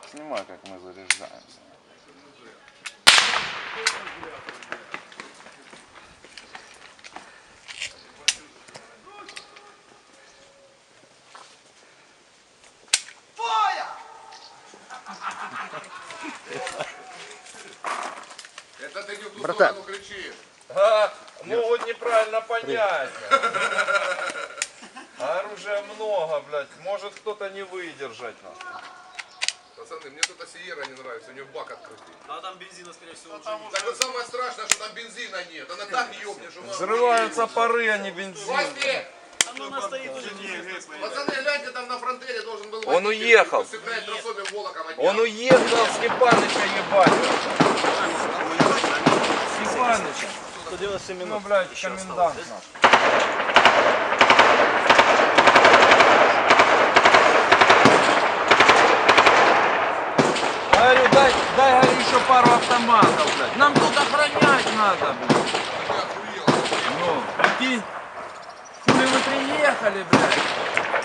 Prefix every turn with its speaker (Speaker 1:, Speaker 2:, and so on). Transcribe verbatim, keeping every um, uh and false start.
Speaker 1: Снимай, как мы заряжаемся.
Speaker 2: Это ты не в ту
Speaker 1: Братан.
Speaker 2: сторону кричишь.
Speaker 3: А, могут неправильно понять. А оружия много, блядь. Может кто-то не выдержать. Нахуй.
Speaker 2: Пацаны, мне тут Сиера не нравится, у нее бак открытый.
Speaker 4: А там бензина, скорее всего, уже нет.
Speaker 2: Так вот самое страшное, что там бензина нет. Она так ёбнешь, что мы...
Speaker 3: Взрываются пары, а не бензин.
Speaker 2: Костя!
Speaker 4: Там она стоит уже неизвестно.
Speaker 2: Пацаны, гляньте, там на фронтере должен был...
Speaker 3: Он
Speaker 2: водитель,
Speaker 3: уехал.
Speaker 2: усыпляет тросами волоком от
Speaker 3: Он
Speaker 2: дня.
Speaker 3: уехал Степаныча ебать. Степаныча.
Speaker 4: сто девяносто семь
Speaker 3: Ну,
Speaker 4: минут.
Speaker 3: блядь,
Speaker 4: еще
Speaker 3: комендант
Speaker 4: осталось,
Speaker 3: наш. Говорю, дай, дай, говорю, еще пару автоматов, блядь. Нам тут охранять надо, блядь.
Speaker 2: Я охуел.
Speaker 3: Ну, прикинь, хули вы приехали, блядь.